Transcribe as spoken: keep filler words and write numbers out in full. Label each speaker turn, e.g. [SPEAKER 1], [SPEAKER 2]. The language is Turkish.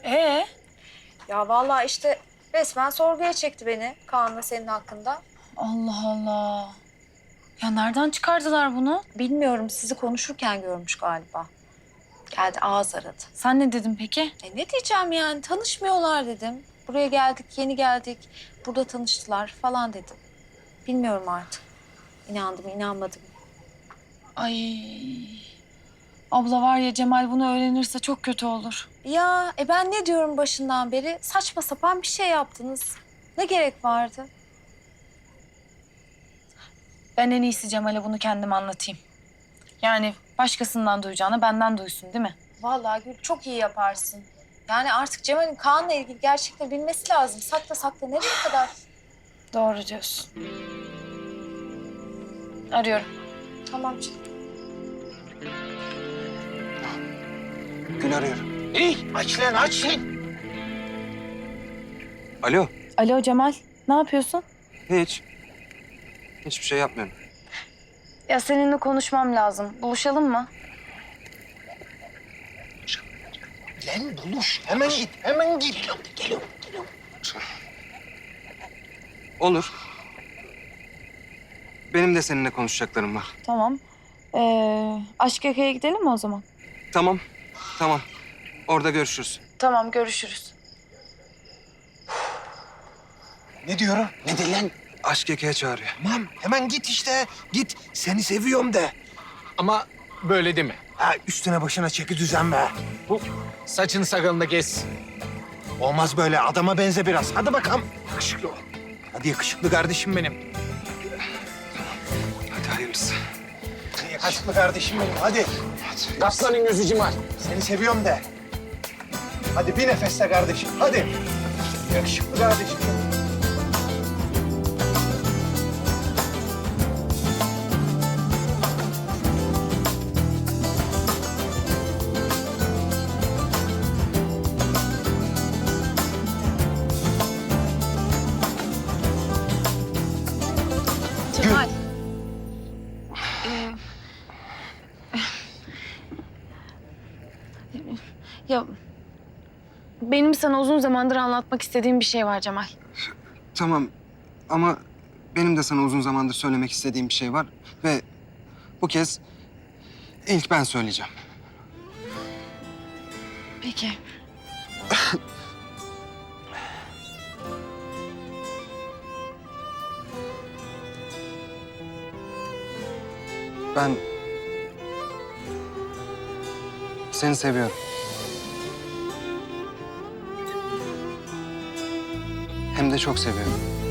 [SPEAKER 1] Ee?
[SPEAKER 2] Ya vallahi işte resmen sorguya çekti beni Kaan'la senin hakkında.
[SPEAKER 1] Allah Allah. Ya nereden çıkardılar bunu?
[SPEAKER 2] Bilmiyorum, sizi konuşurken görmüş galiba. Geldi ağız aradı.
[SPEAKER 1] Sen ne dedin peki?
[SPEAKER 2] E ne diyeceğim yani, tanışmıyorlar dedim. Buraya geldik, yeni geldik. Burada tanıştılar falan dedim. Bilmiyorum artık. İnandım, inanmadım.
[SPEAKER 1] Ay. Abla var ya, Cemal bunu öğrenirse çok kötü olur.
[SPEAKER 2] Ya e ben ne diyorum başından beri? Saçma sapan bir şey yaptınız. Ne gerek vardı?
[SPEAKER 1] Ben en iyisi Cemal'e bunu kendim anlatayım. Yani başkasından duyacağına benden duysun, değil mi?
[SPEAKER 2] Vallahi Gül, çok iyi yaparsın. Yani artık Cemal'in Kaan'la ilgili gerçekten bilmesi lazım. Sakla sakla nereye kadar?
[SPEAKER 1] Doğru diyorsun. Arıyorum.
[SPEAKER 2] Tamam canım.
[SPEAKER 3] Gül arıyorum.
[SPEAKER 4] İyi, aç lan, aç lan.
[SPEAKER 3] Alo.
[SPEAKER 1] Alo Cemal, ne yapıyorsun?
[SPEAKER 3] Hiç. Hiçbir şey yapmıyorum.
[SPEAKER 1] Ya seninle konuşmam lazım. Buluşalım mı?
[SPEAKER 4] Lan buluş, hemen git, hemen git. Geliyorum, geliyorum, geliyorum.
[SPEAKER 3] Olur. Benim de seninle konuşacaklarım var.
[SPEAKER 1] Tamam. Ee, Aşk Yaka'ya gidelim mi o zaman?
[SPEAKER 3] Tamam. Tamam. Orada görüşürüz.
[SPEAKER 1] Tamam, görüşürüz.
[SPEAKER 4] Ne diyorum? Ne de lan?
[SPEAKER 3] Aşk Eka'ya çağırıyor.
[SPEAKER 4] Tamam, hemen git işte. Git, seni seviyorum de. Ama böyle deme. Ha, üstüne başına çeki düzen be. Bu saçını sakalını kes. Olmaz böyle, adama benze biraz. Hadi bakalım. Yakışıklı ol. Hadi yakışıklı kardeşim benim.
[SPEAKER 3] Hadi hayırlısı.
[SPEAKER 4] Hadi yakışıklı kardeşim benim, hadi. Kaplanın gözü Cemal. Seni seviyorum de. Hadi bir nefeste kardeşim, hadi. Yakışıklı kardeşim benim.
[SPEAKER 1] Cemal. Ee, ya benim sana uzun zamandır anlatmak istediğim bir şey var Cemal.
[SPEAKER 3] Tamam. Ama benim de sana uzun zamandır söylemek istediğim bir şey var. Ve bu kez ilk ben söyleyeceğim.
[SPEAKER 1] Peki.
[SPEAKER 3] Ben seni seviyorum. Hem de çok seviyorum.